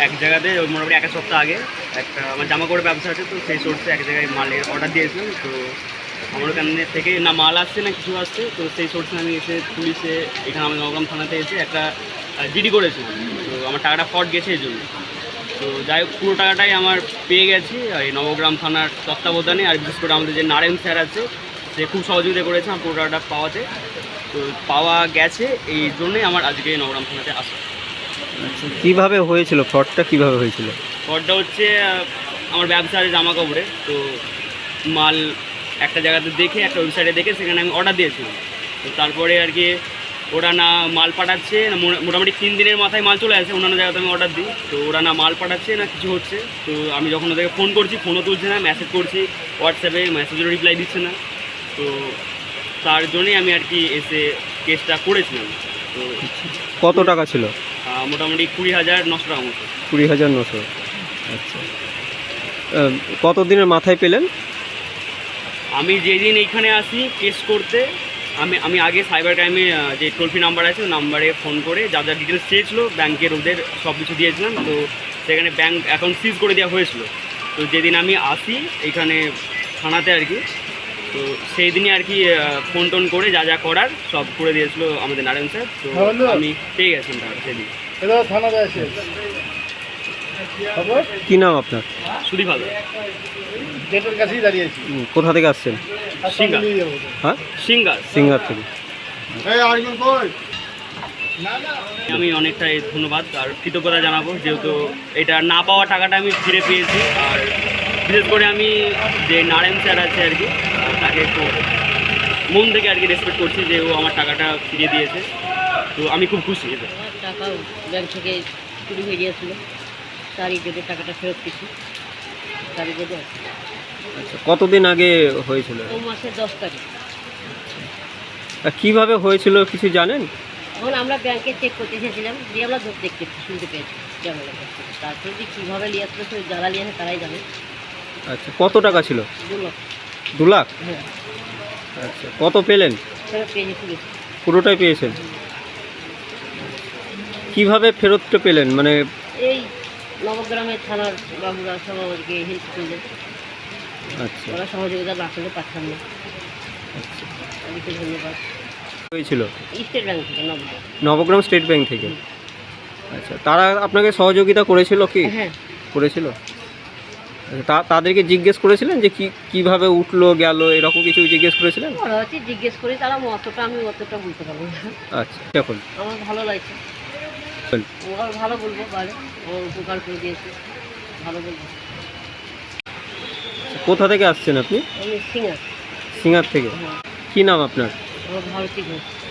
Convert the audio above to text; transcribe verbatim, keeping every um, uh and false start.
এক জায়গাতে মোটামুটি এক সপ্তাহ আগে একটা আমার জামা কাপড়ের ব্যবসা আছে, তো সেই সোর্সে এক জায়গায় মালের অর্ডার দিয়েছিলাম। তো আমার ওখান থেকে না মাল আসছে না কিছু আসছে, তো সেই সোর্সে আমি এসে পুলিশে এখানে আমার নবগ্রাম থানাতে এসে একটা জিডি করেছিলাম। তো আমার টাকাটা ফ্রড গেছে এই জন্য। তো যাই হোক পুরো টাকাটাই আমার পেয়ে গেছি আর এই নবগ্রাম থানার তত্ত্বাবধানে, আর বিশেষ করে আমাদের যে নারায়ণ স্যার আছে সে খুব সহযোগিতা করেছে আমার পুরো টাকাটা পাওয়াতে। তো পাওয়া গেছে এই জন্যই আমার আজকে নবগ্রাম থানাতে আসা। আচ্ছা, কীভাবে হয়েছিল ফ্রডটা, কীভাবে হয়েছিল? ফ্রডটা হচ্ছে আমার ব্যবসার জামা কাপড়ে, তো মাল একটা জায়গাতে দেখে একটা ওয়েবসাইটে দেখে সেখানে আমি অর্ডার দিয়েছিলাম। তো তারপরে আর কি ওরা না মাল পাঠাচ্ছে না, মোটামুটি তিন দিনের মাথায় মাল চলে আসে অন্যান্য জায়গাতে আমি অর্ডার দিই। তো ওরা না মাল পাঠাচ্ছে না কিছু হচ্ছে। তো আমি যখন ওদেরকে ফোন করছি ফোনও তুলছে না, মেসেজ করছি হোয়াটসঅ্যাপে মেসেজেরও রিপ্লাই দিচ্ছে না। তো তার জন্যই আমি আর কি এসে কেসটা করেছিলাম। তো কত টাকা ছিল? মোটামুটি কুড়ি হাজার নশো টাকা মতো। কুড়ি হাজার নশো আচ্ছা, কত দিনের মাথায় পেলেন? আমি যেদিন এইখানে আসি কেস করতে, আমি আমি আগে সাইবার ক্রাইমে যে টোল ফ্রি নাম্বার আছে ওই নাম্বারে ফোন করে যা যা ডিটেলস চেয়েছিল ব্যাংকের ওদের সব কিছু দিয়েছিলাম। তো সেখানে ব্যাংক অ্যাকাউন্ট সিজ করে দেওয়া হয়েছিল। তো যেদিন আমি আসি এইখানে থানাতে আর কি, তো সেই দিনই আর কি ফোন টোন করে যা যা করার সব করে দিয়েছিল আমাদের নারায়ণ স্যার। তো আমি পেয়ে গেছিলাম টাকা সেদিন। কী নাম আপনার? সুদীপ ভালো। কোথা থেকে আসছেন? সিঙ্গার। হ্যাঁ, সিঙ্গার সিঙ্গার থেকে। আমি অনেকটাই ধন্যবাদ আর কৃতজ্ঞতা জানাবো, যেহেতু এটা না পাওয়া টাকাটা আমি ফিরে পেয়েছি। আর বিশেষ করে আমি যে নারায়ণ স্যার আছে আর কি তাকে একটু মন থেকে আর কি রেসপেক্ট করছি যে ও আমার টাকাটা ফিরিয়ে দিয়েছে। তো আমি খুব খুশি। এটা টাকা ব্যাংক থেকে চুরি হয়ে গিয়েছিল, তারই যদি টাকাটা ফেরত পেয়েছি তারই যদি। আচ্ছা, কতদিন আগে হয়েছিল? ও মাসের দশ তারিখ। কীভাবে হয়েছিল কিছু জানেন? এখন আমরা ব্যাংকে চেক করতে এসেছিলাম, দিয়ে আমরা দেখতে শুনতে পেয়েছি ক্যামেরা কাছ থেকে। তারপরে যে কীভাবে নিয়ে আসলো সে যারা নিয়ে আসে তারাই জানে। আচ্ছা, কত টাকা ছিল? দু লাখ। দু লাখ? হ্যাঁ। আচ্ছা, কত পেলেন? ফেরত পেয়েছি পুলিশ। পুরোটাই পেয়েছেন? কীভাবে ফেরতটা পেলেন? মানে এই নবগ্রামের থানার বাবুরা সব আমাদেরকে হেল্প করলেন। আচ্ছা, ওরা সহযোগিতা না করলে পারতাম না। আচ্ছা, তাদেরকে ধন্যবাদ। হয়েছিল স্টেট ব্যাংক থেকে, নবগ্রাম নবগ্রাম স্টেট ব্যাংক থেকে। আচ্ছা, তারা আপনাকে সহযোগিতা করেছিল কি? হ্যাঁ করেছিল। আচ্ছা, তা তাদেরকে জিজ্ঞেস করেছিলেন যে কি কীভাবে উঠলো গেল এরকম কিছু জিজ্ঞেস করেছিলেন? ওরা হচ্ছে জিজ্ঞেস করি, তারা অতটা আমি অতটা বলতে পারবো না। আচ্ছা, এখন আমার ভালো লাগছে, ওরা ভালো বলবো, বাইরে আমার উপকার করে দিয়েছে, ভালো বলবো। কোথা থেকে আসছেন আপনি? আমি সিঙ্গার। সিঙ্গার থেকে। হ্যাঁ। কী নাম আপনার? আমার ভারতী ঘোষ।